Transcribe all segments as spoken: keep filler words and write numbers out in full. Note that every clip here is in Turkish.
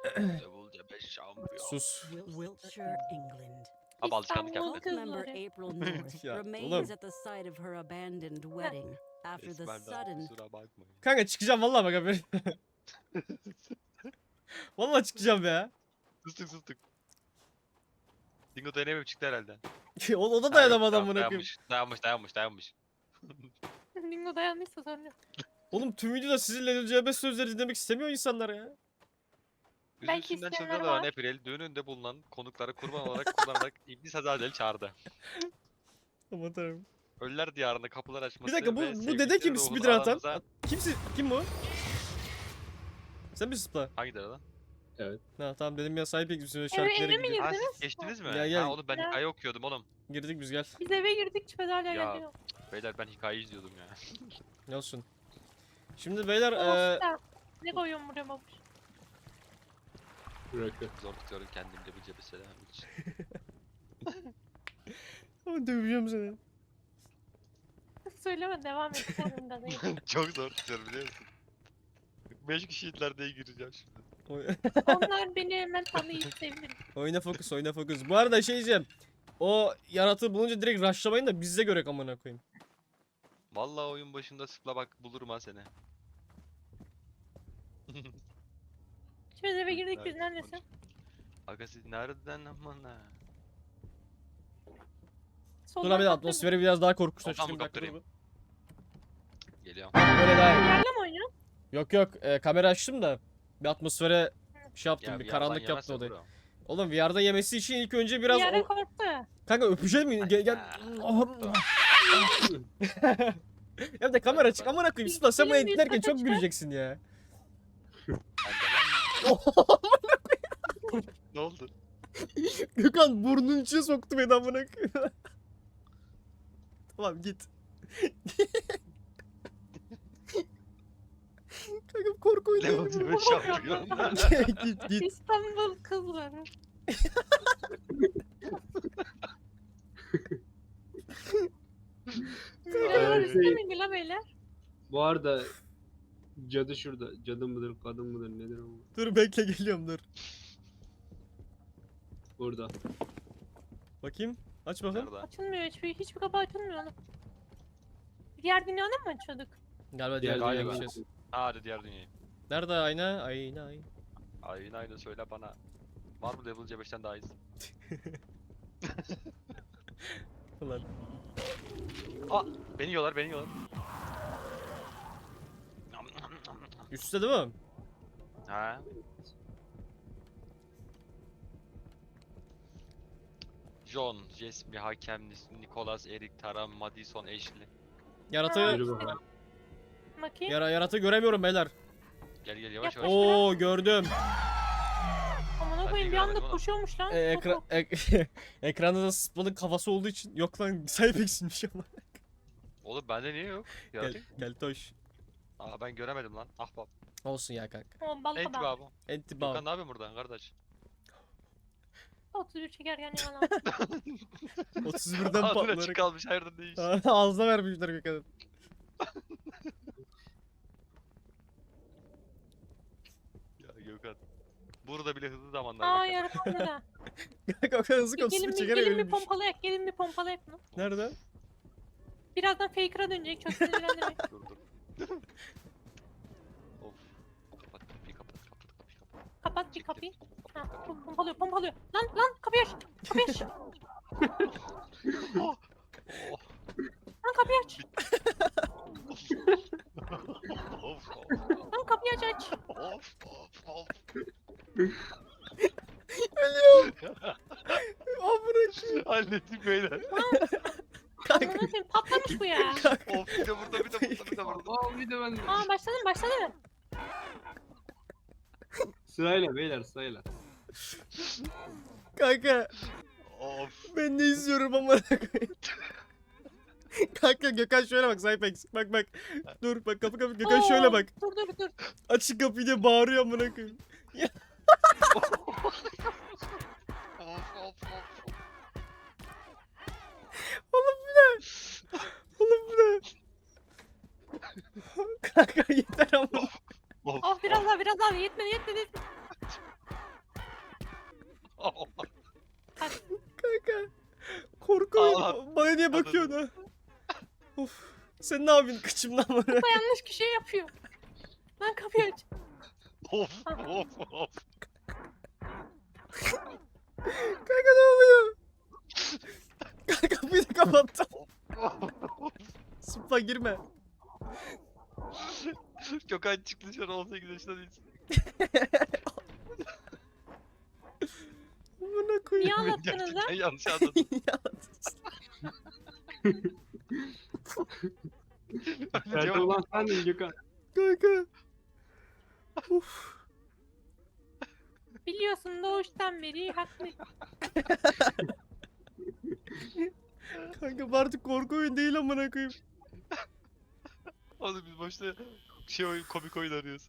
Level beş şampiyon. Sus. Wiltshire, England. Abi alışkanlık İstanbul yaptı. Cult member kızları. April North Ya, remains oğlum. at the site of her abandoned wedding after the Esmer'den sudden. kusura bakmayın. Kanka çıkacağım vallahi bak haberin. Vallahi çıkacağım ya. Sustuk sustuk. Dingo dayanamıyor çıktı herhalde. o, o da Ha, dayanamadı yok, amına koyayım. dayanmış, dayanmış dayanmış dayanmış. Dingo dayanmışsa sorun yok. Oğlum tüm videoda sizin L C B sözleri dinlemek istemiyor insanlar ya. Belki Üzüntüsünden isteyenler çılgın olan var. April düğününde bulunan konukları kurban olarak kullanarak İblis Azazel'i çağırdı. Aman tanrım. Ölüler diyarında kapılar açması Bir dakika bu, ve bu sevgilileri dede kim ruhunu speedrun atan? aramıza- Kimsi, kim bu? Sen misin Spla? Hangi dede lan? Ha tamam dedim ya sahip ekibisine Eve, şarkıları eve mi gidiyor. Ha girdiniz? siz geçtiniz mi? Ya, ya. Ha oğlum ben Ya. hikaye okuyordum oğlum. Girdik biz gel. Biz eve girdik çıkmadı hala Ya. geliyor. Beyler ben hikaye izliyordum ya. Ne olsun. Şimdi beyler Of eee da. Ne koyuyorum buraya babuş? Bıraktı. Zor tutuyorum kendimde bir cebe selam için. Ama döveceğim seni. Söyleme devam et. Sonunda değil. Çok zor tutuyorum biliyor musun? Beş kişiydiler diye gireceğim şimdi. Oy- Onlar beni hemen tanıyıp sevinir. oyna fokus oyna fokus. Bu arada şey diyeceğim. O yaratığı bulunca direkt rushlamayın da bize göre amına koyayım. Vallahi oyun başında sıkla bak bulurum ha seni. Şimdi eve girdik biz Evet, neredesin? Aga siz nereden aman ha? Dur abi atmosferi biraz daha korkunçlaştırayım. Ortam bir dakika, kaptırayım. dur. Geliyorum. Böyle daha iyi. Yerle mi oynuyorsun? Yok yok e, kamera açtım da bir atmosfere şey yaptım Ya bir bir karanlık yalan yaptı yemezse odayı. bro. Oğlum V R'da yemesi için ilk önce Bir biraz yere o... korktu. Kanka öpecek mi? Gel gel. Ya da kamera açık amına koyayım. Sıla sen bunu Film bir editlerken saat çok açar. güleceksin ya. Ben de- Ne oldu? Gökhan burnunun içine soktu beni amına koyayım. Tamam git. Kanka korku oyunu. Level bir şampiyon. git git. İstanbul kızları. Birader Ay. üstte mi la beyler? Bu arada cadı şurada. Cadı mıdır, kadın mıdır, nedir o? Dur bekle geliyorum dur. Burada. Bakayım. Aç bakalım. Nerede? Açılmıyor hiçbir, hiçbir kapı açılmıyor oğlum. Diğer dünyada mı açıyorduk? Galiba Diğer diğer galiba. dünyaya geçeceğiz. Ha hadi diğer dünyayı. Nerede ayna? Ayna ayna. Aynen aynen söyle bana. Var mı level C beşten daha iyisi? Ulan. Aa beni yiyorlar beni yiyorlar. Üstte değil mi? Ha. John, Jasmine, Hakem, Nicholas, Eric, Tara, Madison, Ashley. Yaratığı, Yürü bakalım. Bakayım. yara, yaratığı göremiyorum beyler. Gel gel yavaş Yap. yavaş. Oo gördüm. Amına Ben koyayım de bir anda göremedim oğlum. koşuyormuş lan. E, ekra, ek- ekranda da Sıpla'nın kafası olduğu için yok lan Cypex'inmiş ama. Oğlum bende niye yok? Gel, Yaratık. gel toş. Aa ben göremedim lan. Ah bab. Olsun ya kanka. O balık Enti adam. babu. Enti Gökhan bağ. ne yapıyorsun buradan kardeş? otuz bir çekerken yalan. otuz birden Ağzına patlayarak. çık kalmış hayırdır ne iş? Ağzına vermişler Gökhan'ın. Ya Gökhan. Burada bile hızlı zamanlar. Aa bekle. yaratandı da. Gökhan hızlı Gelin konusunu bir, çekerek gelin bir ölmüş. pompalayak, gelin bir pompalayak bunu. Nerede? Birazdan faker'a dönecek çok sinirlendirmeyin. Dur dur. Of. Kapat kapıyı kapat kapat kapıyı kapat. Kapat bir Çek kapıyı. telefonu, kapat, Ha, kapat. pom- pompalıyor, pompalıyor. Lan lan kapıyı aç. Kapıyı aç. Oh. Lan kapıyı aç. Of of Lan kapıyı aç aç. of of of. Ölüyorum. Amına koyayım. Hallettik beyler. Kanka. Amına koyayım patlamış bu ya. Of bir de burada bir de burada bir de burada. Aa bir de ben. Aa başladı mı başladı mı? Sırayla beyler sırayla. Kanka. Of. Ben ne izliyorum amına koyayım. Kanka Gökhan şöyle bak Cypex. Bak bak. Dur bak kapı kapı Gökhan şöyle Oo, bak. Dur dur dur. Açık kapıyı diye bağırıyor amına koyayım. Of of of. Oğlum bu ne? Oğlum bu ne? Kanka yeter ama. Of. Oh biraz daha biraz daha yetmedi yetmedi. yetmedi. Ulan. Bana niye bakıyorsun ha? Of. Sen ne yapıyorsun kıçımdan bana? Kupa yanlış kişiye yapıyor. Lan kapıyı aç. Of of of. Kanka ne oluyor? Kanka kapıyı da kapattım. Sıpa girme. Gökhan çıktı şu an on sekiz yaşında değilsin. Bana Niye koyayım. anlattınız lan? Gerçekten yanlış anladım. Nerede Cevap- olan sendin Gökhan. Kanka. Uf. Biliyorsun doğuştan beri haklı. Kanka bu artık korku oyun değil amına koyayım. Oğlum biz boşta şey oyun, komik oyun arıyoruz.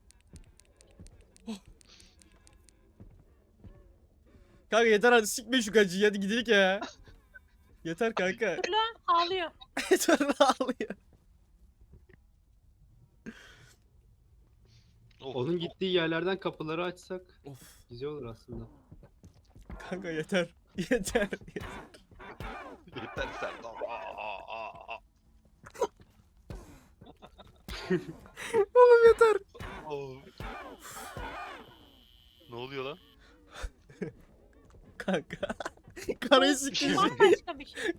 Kanka yeter hadi sikme şu gacıyı hadi gidelim ya. Yeter kanka. Dur lan ağlıyor. Yeter ağlıyor. Of, Onun of. gittiği yerlerden kapıları açsak Of. güzel olur aslında. Kanka yeter. Yeter. Yeter sen. Aa, aa, aa. Oğlum yeter. Of. Ne oluyor lan? Kanka. Karayı sikeyim. Bambaşka bir şey.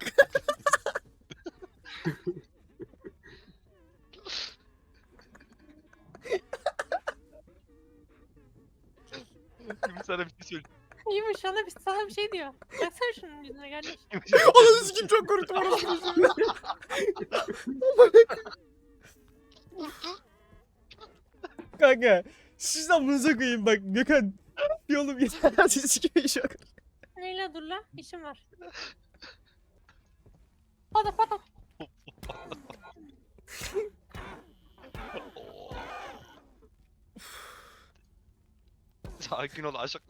Şimdi sana bir şey söyleyeyim. İyiymiş sana bir, sana bir şey diyor. Baksana şunun yüzüne kardeş. Ananı sikeyim çok korktum orası. Kanka. Siz amınıza koyayım bak Gökhan. Bir oğlum yeter hadi sikeyim şu an. Leyla dur lan işim var. Pata pata. Oo. Sakin ol aşık.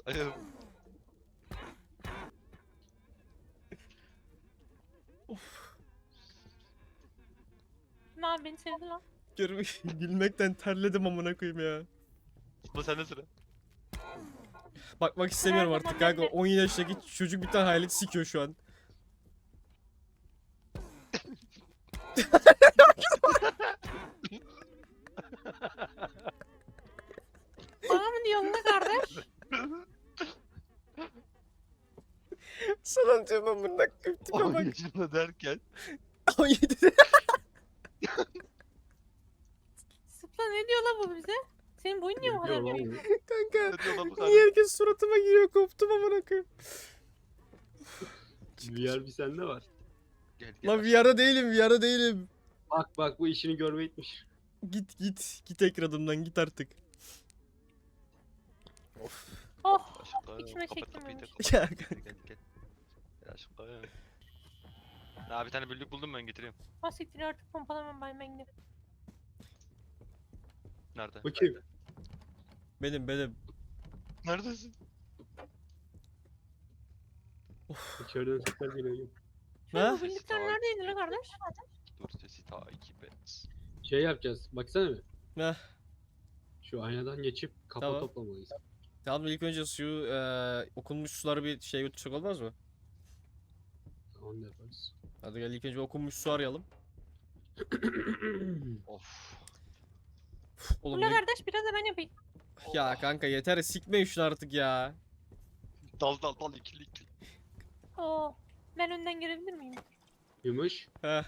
Ne abi beni sevdi lan. Görmek, gülmekten terledim amına koyayım ya. Bu sende sıra. Bakmak istemiyorum Nerede artık lan, kanka. nerede? on yaşındaki çocuk bir tane hayalet sikiyor şu an. Bana mı diyorsun lan kardeş? Sana diyorum amına koyayım tipe on bak. yaşında derken. on yedide. Sıpla ne diyor lan bu bize? Senin boyun niye bu kadar Diyor lan büyük? bu. Kanka. Ne diyor lan bu Niye kardeş? herkes suratıma giriyor koptum amına koyayım. V R bir sende var. Gel gel. Lan V R'da değilim V R'da değilim. Bak bak bu işini görme etmiş. Git git. Git ekranımdan git artık. Oh Aşkım, içime kapat çektim kapıyı da, olmuş. kapat Ya kapıyı da, Gel gel. Gel aşkım. Ya bir tane büllük buldum ben getireyim. Basiktir artık pompalamam ben ben giderim. Nerede? Bu kim? benim benim. Neredesin? İçeriden sesler geliyor. Şöyle Ha? bu birlikler neredeydi lan kardeş? Dur sesi takip et. Şey yapacağız. Baksana bir. Heh. Şu aynadan geçip kafa Tamam. toplamalıyız. Tamam ilk önce suyu eee okunmuş suları bir şey götürsek olmaz mı? Onu da yaparız. Hadi gel ilk önce okunmuş su arayalım. Of. Oğlum Ula ne- kardeş biraz da ben yapayım. Ya kanka yeter sikmeyin şunu artık ya. Dal dal dal ikili ikili. Oo. Ben önden girebilir miyim? Yumuş. Heh.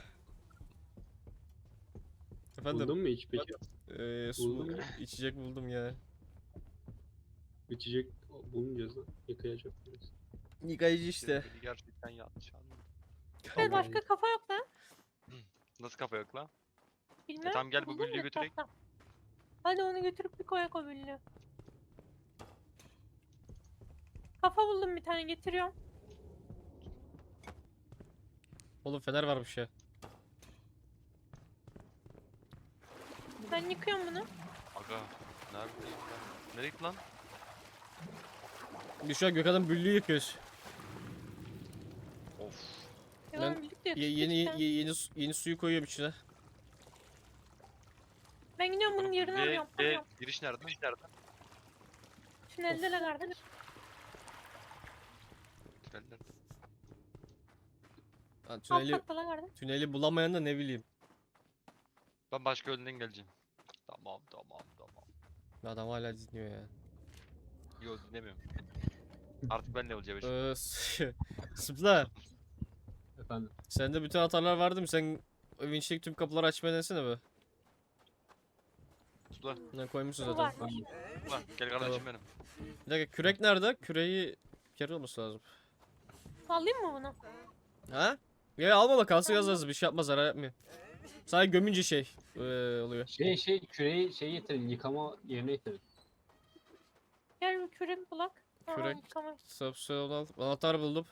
Efendim Buldun mu hiç peki? eee su Buldun mu? içecek buldum ya. İçecek bulmayacağız lan. Yıkayacak biraz. Yıkayıcı işte. Beni gerçekten yanlış anladın. Evet başka kafa yok lan. Nasıl kafa yok lan? Bilmem. tamam, gel bu buldum güllüyü götürek. etrafta. Hadi onu götürüp bir koyak o güllüğü. Kafa buldum bir tane getiriyorum. Oğlum fener varmış ya. Ben yıkıyorum bunu. Aga. Neredeyim ben? Nereye gitti lan? Biz şu an Gökhan'ın büllüğü yıkıyoruz. Of. Ya Ben ben birlikte Ye- yapıştık yeni, işte. ye- yeni su- yeni suyu koyuyorum içine. Ben gidiyorum bunun yerini Ve, arıyorum. ve Arıyorum. giriş nerede? Giriş nerede? Şunu elde de kardeş. Trenler. Ha, Alt tüneli, katta lan kardeş. tüneli bulamayan da ne bileyim. Ben başka yönden geleceğim. Tamam tamam tamam. Adam hala dinliyor ya. Yok dinlemiyorum. Artık ben de olacağım. Ee, s- Sıpla. Efendim. Sende bütün hatalar vardı mı? Sen vinçlik tüm kapıları açmayı denesene be. Tula, Ne koymuşsun Bu zaten. var. tula. Gel kardeşim benim. Bir dakika kürek nerede? Küreği bir kere olması lazım. Alayım mı bunu? Ha? Ya alma da kalsın yaz lazım. Bir şey yapmaz zarar yapmıyor. Sadece gömünce şey ee, oluyor. Şey şey küreği şey getirin yıkama yerine getirin. Gel bir kürek bulak. Aa, Kürek. Tamam. Subsol al. Anahtar buldum.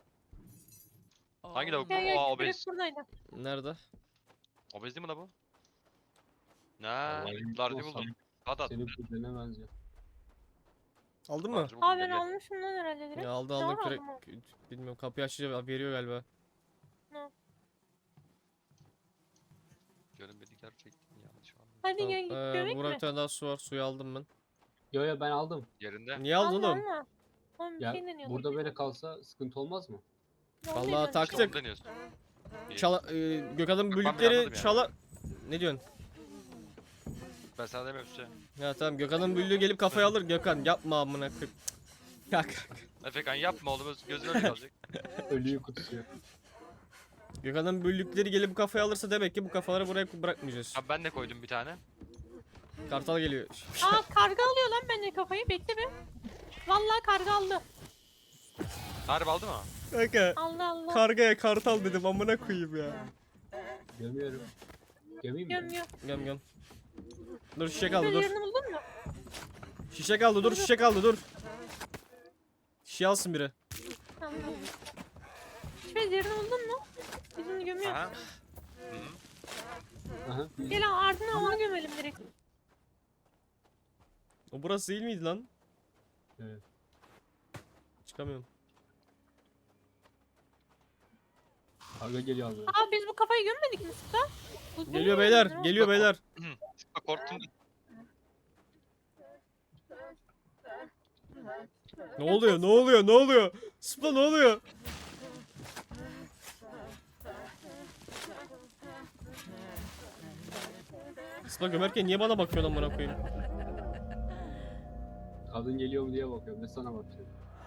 Hangi lavuk? Gel gel Aa kürek obez. buradaydı. Nerede? Obez değil mi la bu? Ne? Vallahi Lardi olsam buldum. Hadi at. Senin kuzenine benziyor. Aldın mı? Lardi buldum, Aa gel, ben gel. almışım lan herhalde direkt. Ya aldı Ne aldı var kürek. aldım o? Bilmiyorum kapıyı açınca veriyor galiba. Görünmedi gerçekten yanlış anladım. Hadi Tamam. gel git Ee, gömek burada mi? bir tane daha su var. Suyu aldım ben. Yo yo ben aldım. Yerinde. Niye aldın Alma, oğlum? alma. Oğlum bir Ya şey deniyordum. burada böyle kalsa sıkıntı olmaz mı? Ne Vallahi oluyor? tak- İşte Taktık. onu deniyorsun. İyi. Çala, e, Gökhan'ın ben büyükleri anladım yani. çala... Ne diyorsun? Ben sana demiyorum işte. Ya tamam Gökhan'ın büyüğü gelip kafaya alır. Gökhan yapma amına koyayım. Ya kanka. Efekan yapma oğlum gözün öyle kalacak. Ölüyü kutusuyor. Gökhan'ın büyüklükleri gelip kafaya alırsa demek ki bu kafaları buraya bırakmayacağız. Abi ben de koydum bir tane. Kartal geliyor. Aa karga alıyor lan bence kafayı. Bekle bir. Vallahi karga aldı. Harbi aldı mı? Kanka Allah Allah. kargaya kartal dedim amına koyayım ya. Gömüyorum. Gömeyim mi? Gömüyor. Göm göm. Dur şişe kaldı dur. Yerini buldun mu? Şişe kaldı dur şişe kaldı dur. Şişe alsın biri. Tamam. Şifre yerini buldun mu? Bizim gömüyor. Aha. Hı. Aha. Gel al, ardına onu gömelim direkt. O burası değil miydi lan? Evet. Çıkamıyorum. Karga geliyor abi. Aa biz bu kafayı gömmedik mi Sıkla? Bu- bu Geliyor mu beyler gömdün o? geliyor beyler. Bak korktum. Ne oluyor ne oluyor ne oluyor? Sıpla ne oluyor? Sıpla gömerken niye bana bakıyorsun amına koyayım? Kadın geliyor mu diye bakıyorum. Ne sana bakıyorum.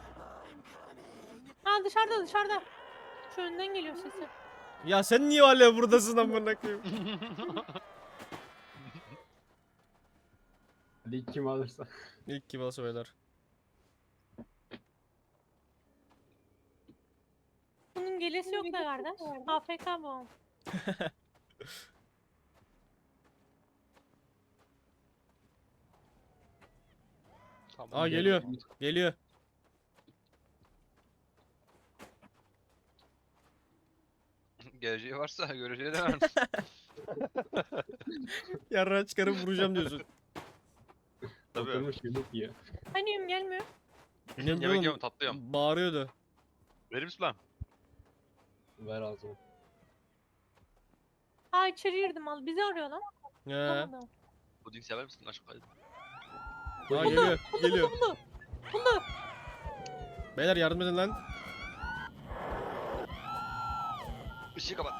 Aa dışarıda dışarıda. Şu önden geliyor sesi. Ya sen niye hala buradasın amına koyayım? Hadi ilk kim alırsa. İlk gibi olsa beyler. Bunun gelesi yok da kardeş. A F K bu. Tamam. Aa geliyor geliyor. Geleceği varsa göreceği de var. Yarrağı çıkarıp vuracağım diyorsun. Tabii. Oturmuş yemek yiyor. Hani yum gelmiyor. Ne Yemek oğlum? yiyorum tatlıyorum. Bağırıyordu. Verir misin lan? Ver ağzıma. Aa içeri girdim al. Bizi arıyor lan. He. Tamam. Puding sever misin aşkım? Aa geliyor geliyor. Buldu. Buldu. Beyler yardım edin lan. Işığı kapat.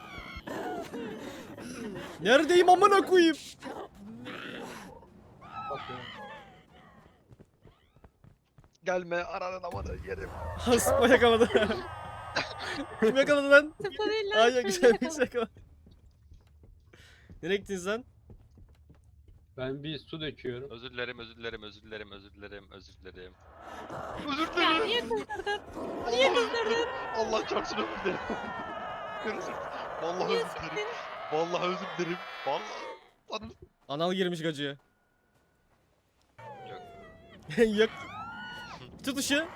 Neredeyim amına koyayım? Bak ya. Gelme aranın amanı yerim. Sıpla yakaladı. Kim yakaladı lan? Sıfır değil lan. Ay şöyle güzel yakala. güzel yakaladı. Nereye gittiniz lan? Ben bir su döküyorum. Özür dilerim, özür dilerim, özür dilerim, özür dilerim, özür dilerim. Özür Ya dilerim. niye kızdırdın? Niye kızdırdın? Allah çarpsın özür dilerim. Özür- Vallahi Niye özür dilerim. sıktın? Vallahi özür dilerim. Vallahi. Anam. Anal girmiş gacıya. Yok. Yok. Tut ışığı.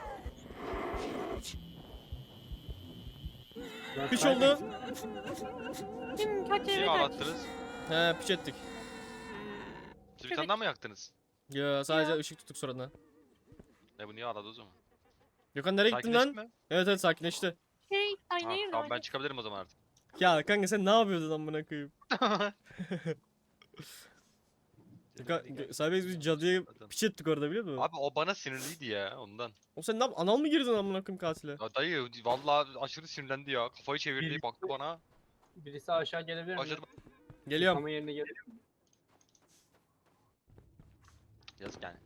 Ben Piç kaybettim. oldu. Kim kaç Şey eve kaç? ağlattınız. He piç ettik. Siz bir tane daha mı yaktınız? Ya sadece Ya. ışık tuttuk sonradan. Ne bu niye ağladı o zaman? Gökhan nereye gittin Sakinleştin lan? mi? Evet evet sakinleşti. Şey aynı Ha, yerde. tamam ben çıkabilirim o zaman artık. Ya kanka sen ne yapıyordun amına koyayım? Gökhan, Gö- Cybex biz cadıya piç ettik orada biliyor musun? Abi o bana sinirliydi ya ondan. O sen ne yap? Anal mı girdin amına koyayım katile? Ya dayı vallahi aşırı sinirlendi ya. Kafayı çevirdi baktı bana. Birisi aşağı gelebilir mi? Başladı. Geliyorum. Ama yerine gel. Yazık yani.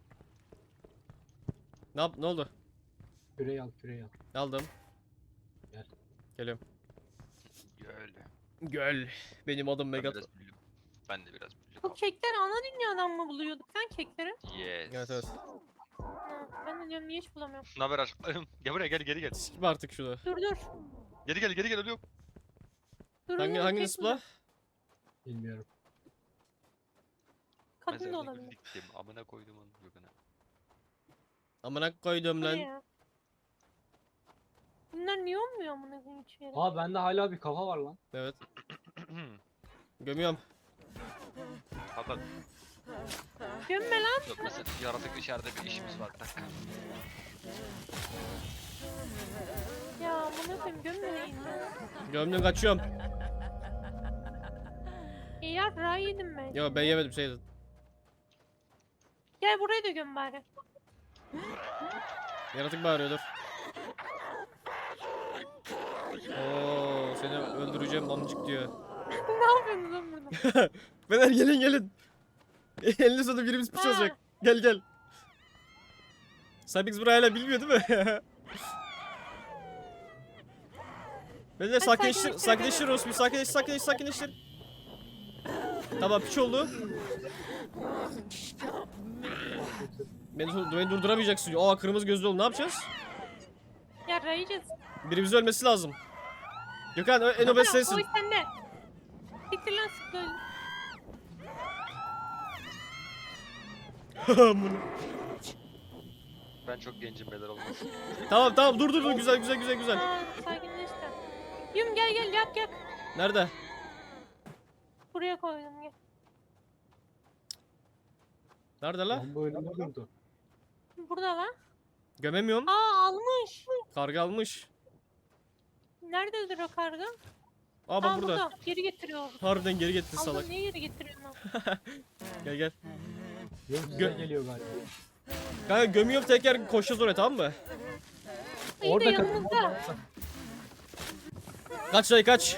Ne yap? Ne oldu? Küreyi al, küreyi al. Aldım. Gel. Geliyorum. Öyle. Göl. Benim adım Ben Megat. biraz büyüdüm. Ben de biraz büyüdüm. Bu kekler ana dünyadan mı buluyorduk lan kekleri? Yes. Evet evet. Ha, ben de diyorum niye hiç bulamıyorum. Ne haber aşkım? Gel buraya gel geri gel. Sikip artık şunu. Dur dur. Geri gel geri gel ölüyorum. Dur Hangi oğlum, hangi kek zıpla? buldum. Bilmiyorum. Kadın da Mezarına olabilir. gittim. Amına koydum onu göküne. Amına koydum Bu ne lan. ya? Bunlar niye olmuyor amına koyayım hiçbir yere? Aa bende hala bir kafa var lan. Evet. Gömüyorum. Hatta Gömme lan. yok mesela yaratık içeride bir işimiz var. Bir dakika. Ya amına koyayım gömmeyin ya. Gömdüm kaçıyorum. E ya ra yedim ben. Yo ben yemedim şey yedim. Gel buraya da göm bari. Yaratık bağırıyor dur. Oo seni öldüreceğim amcık diyor. Ne yapıyorsunuz lan burada? Beyler gelin gelin. Elini sonunda birimiz piç Ha. olacak. Gel gel. Cybex burayı hala bilmiyor değil mi? Beyler sakinleştir, sakinleştir, sakinleştir Rosmi, sakinleştir, sakinleştir, sakinleştir. Tamam piç oldu. Beni, dur- beni durduramayacaksın. Aa kırmızı gözlü oldu ne yapacağız? Ya ra yiyeceğiz. Birimizin ölmesi lazım. Gökhan ö- en obez Ya, sensin. Oy sende. Siktir lan sık böyle. Amına. Ben çok gencim beyler olmaz. Tamam tamam dur dur dur güzel güzel güzel güzel. Ha sakinleş de. Yum gel gel yak yak. Nerede? Buraya koydum gel. Nerede la? Lan bu önümde durdu. Burada lan. Gömemiyorum. Aa almış. Karga almış. Nerededir o karga? Aa bak Aa burada. burada. Geri getiriyor. Harbiden geri getir Allah salak. niye geri getiriyorsun lan? Gel gel. Yok size Gö- geliyor galiba. Kanka gömüyorum tekrar koşacağız oraya tamam mı? İyi de Orada kadın. yanımızda. Kaç dayı kaç.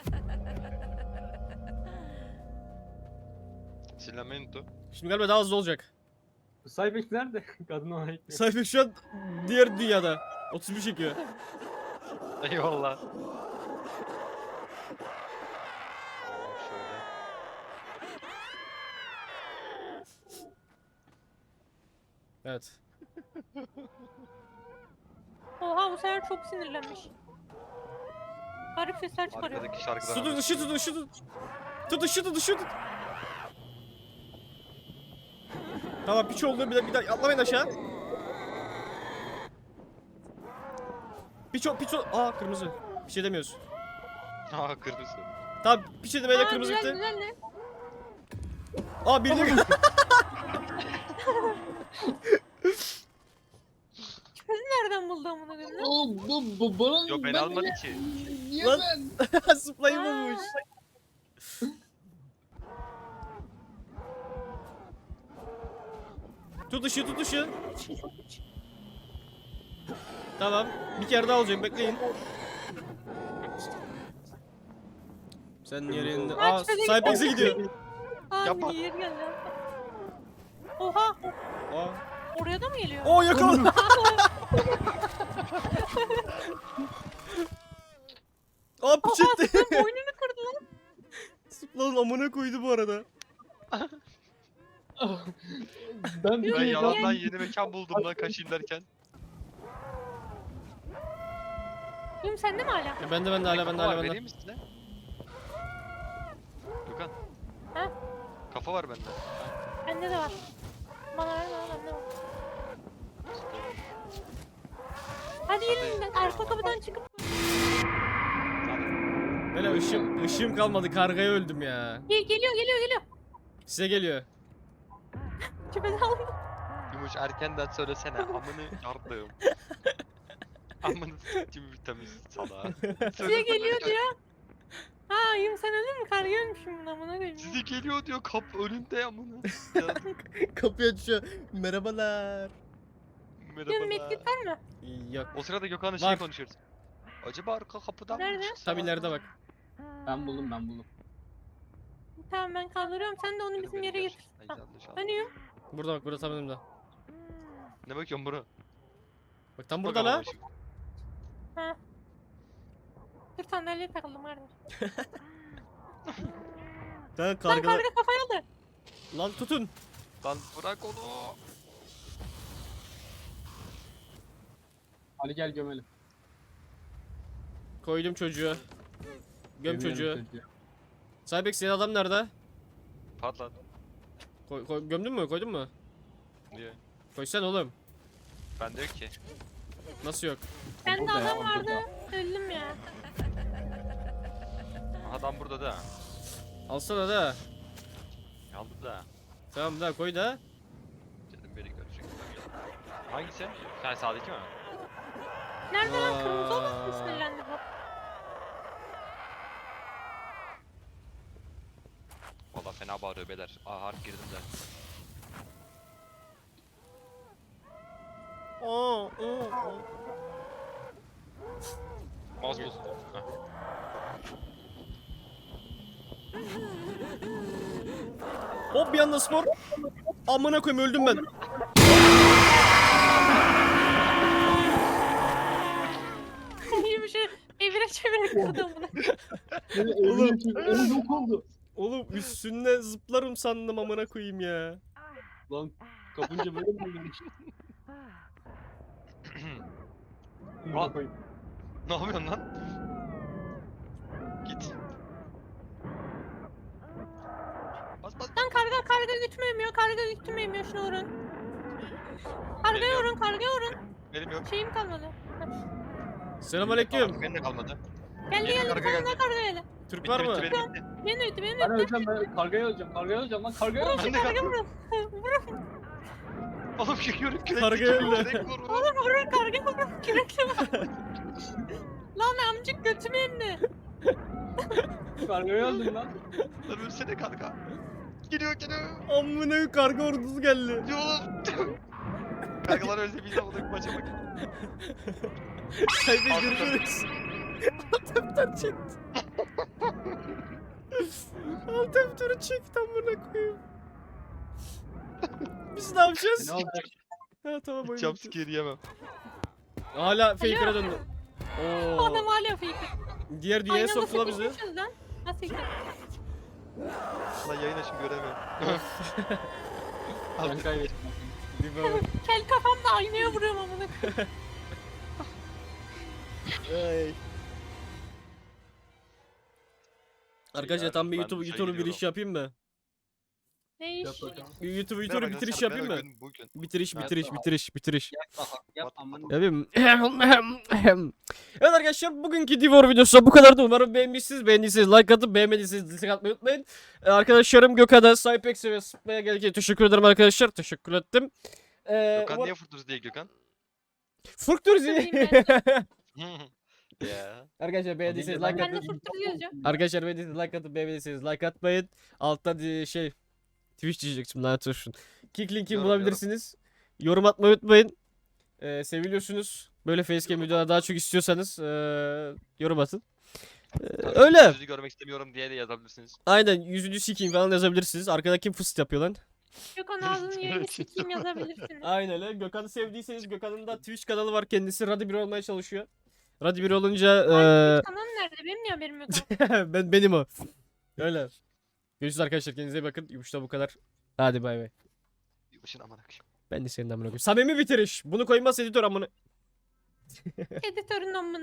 Silamento. Şimdi galiba daha hızlı olacak. Bu Cybex nerede? Kadın ona ekliyor. Cybex şu an diğer dünyada. otuz bir çekiyor. Eyvallah. Oo, şöyle. Evet. Oha bu sefer çok sinirlenmiş. Garip sesler çıkarıyor. Arkadaki şarkıdan. Tutun ışığı tutun ışığı tutun. Tut ışığı tut ışığı tut. Tamam piç oldu bir daha bir daha atlamayın aşağı. Piç ol piç ol. Aa kırmızı. Bir şey demiyoruz. Aa kırmızı. Tamam piç demeyle Aa, kırmızı güzel, gitti. güzel ne? Aa birini Nereden buldu amına koyayım lan? Oo bu, bu bana Yo ben almadım ki. Niye Lan- ben? Zıplayı bulmuş. Tut ışığı tut ışığı. Tamam. Bir kere daha olacak bekleyin. Sen yerinde... Aç, Aa hadi Cypex'e gidiyor. Aa Yapma. yer geldi. Oha Aa. oraya da mı geliyor? Oo yakaladı. Aa piç Oha etti. sen boynunu kırdı lan. Sıplanın amına koydu bu arada. Ben bir Ben şey yalandan yeni mekan buldum lan kaçayım derken. Yum sende mi hala? Ya bende bende hala bende Kafa var, hala bende. vereyim mi size? Gökhan. Ha? Kafa var bende. Bende de var. Bana ver bana bende var. Hadi yürüyün arka kapıdan çıkıp. Böyle ışığım, ışığım kalmadı kargaya öldüm ya. Gel, geliyor geliyor geliyor. Size geliyor. Küpeden aldım. Yumuş erkenden söylesene amını yardım. Amını s**tim vitamin salağı. Size geliyor diyor. Ha yum sen öldün mü? Karga ölmüşüm bunu amına koyayım. Sizi geliyor diyor kap önünde amına. Ya, Kapıyı açıyor. Merhabalar. Senin medkit merhabalar. var mı? Yok. O sırada Gökhan'la şey Var. konuşuyoruz. Acaba arka kapıdan mı Nerede? çıksa? Tam ileride bak. Ben buldum ben buldum. Tamam ben kaldırıyorum. Sen de onu bizim yere getir. Ay, Ha. yanlış anladım. Hani yum? Burada bak, burada tam önümde. Ne bakıyorsun bro? Bak tam Bak burada ama la. şu- Ha. Dur sandalyeye takıldım kardeş. Lan Lan kargılar. karga kafaya aldı. Lan tutun. Lan bırak onu. Ali gel gömelim. Koydum çocuğu. Göm Gömelim çocuğu. Cybex senin adam nerede? Patlat. Koy, koy- gömdün mü? Koydun mu? Niye? Koysan oğlum. Bende yok ki. Nasıl yok? Bende Burada ya, adam vardı. burada. Öldüm ya. Adam burada da. Alsana da. Aldı da. Tamam da koy da. Dedim beni görecek. Hangisi? Sen sağdaki mi? Nerede lan kırmızı olan Aa. mı sinirlendi bu? Valla fena bağırıyor beyler. Aa harp girdim de. Oo, oo, oo. Mouse bozuldu. Heh. Hop bir anda spor. Amına koyayım öldüm ben. İyi bir şey. Evire çevire kırdım bunu. Oğlum. Oğlum yok oldu. Oğlum üstüne zıplarım sandım amına koyayım ya. Lan kapınca böyle mi olmuş? Al. Ne yapıyorsun lan? Git. Bas bas. Lan karga karga gütmeyemiyor. Karga gütmeyemiyor. Şunu vurun. Karga Benim yok. vurun. Karga vurun. Benim yok. Şeyim kalmadı. Selamünaleyküm. Artık benim de kalmadı. Geldi Benim geldi. karga Bir tane geldi. daha karga geldi. Türk Bitti var bitti mı? benim bitti. Beni öldü. Beni Ben öldü. öleceğim ben kargaya öleceğim kargaya öleceğim lan kargaya öleceğim. Ben de Karga kaldım. vurun. Vurun. Oğlum yürü kürek. Karga öldü. Vur vur. Vurun vurun. Karga vurun. Kürekle vurun. Lan amcık götümü emdi. Kargaya öldüm lan. Lan ölsene karga. Geliyor geliyor. Amına karga ordusu geldi. Yolum. Kargalar ölse biz de bunu maça bak. Cybex görüşürüz. Altımdan çekti. Altımdan çekti amına koyayım. Biz ne yapacağız? Ne olacak? Ha tamam oyun. Jump bitti. scare yemem. Hala faker'a döndü. Oo. Adam hala fake. Diğer dünyaya Aynı anda soktu la bizi. sıkışmışız lan. Nasıl yıkar? Lan yayın açım göremiyorum. Ben kaybettim. Bir bak. Kel kafamla aynaya vuruyorum amına koyayım. Ay. Arkadaşlar tam bir Ben YouTube duşa YouTube'u bir iş giriyorum. yapayım mı? Ne iş? Yap bakalım. Bir YouTube Merhaba YouTube'u bitiriş arkadaşlar, yapayım merhaba mı? Bugün, bugün. Bitiriş Evet, bitiriş tamam. bitiriş bitiriş. Yap bakalım yap aman. Yapayım. Evet arkadaşlar bugünkü Divor videosu bu kadardı. Umarım beğenmişsiniz. Beğendiyseniz like atıp beğenmediyseniz dislike atmayı unutmayın. Ee, Arkadaşlarım Gökhan'a, Cypex'e ve Sıpma'ya gelirken teşekkür ederim arkadaşlar. Teşekkür ettim. Ee, Gökhan umar- niye fırtırız diye Gökhan? Fırktürüz. Ya. Arkadaşlar beğendiyseniz like Ben de atın. fırtır yazacağım. Arkadaşlar beğendiyseniz like atıp beğenmediyseniz like atmayın. Altta di- şey Twitch diyecektim lanet olsun. Kick linkini Yorum, bulabilirsiniz. Yorum atmayı unutmayın. Ee, seviliyorsunuz. Böyle facecam videolar daha çok istiyorsanız ee, yorum atın. Ee, öyle. Yüzünü görmek istemiyorum diye de yazabilirsiniz. Aynen yüzünü sikeyim falan yazabilirsiniz. Arkada kim fıst yapıyor lan? Gökhan ağzının yerini sikeyim yazabilirsiniz. Aynen öyle. Gökhan'ı sevdiyseniz Gökhan'ın da Twitch kanalı var. Kendisi Radi bir olmaya çalışıyor. Radi bir olunca ee, Kanalın nerede? Benim niye haberim yok? ben benim o. Öyle. Görüşürüz arkadaşlar. Kendinize iyi bakın. Yumuşta bu kadar. Hadi bay bay. Yılbaşın amına koyayım. Ben de senin amına koyayım. Samimi bitiriş. Bunu koymaz editör amına. Editörün amına.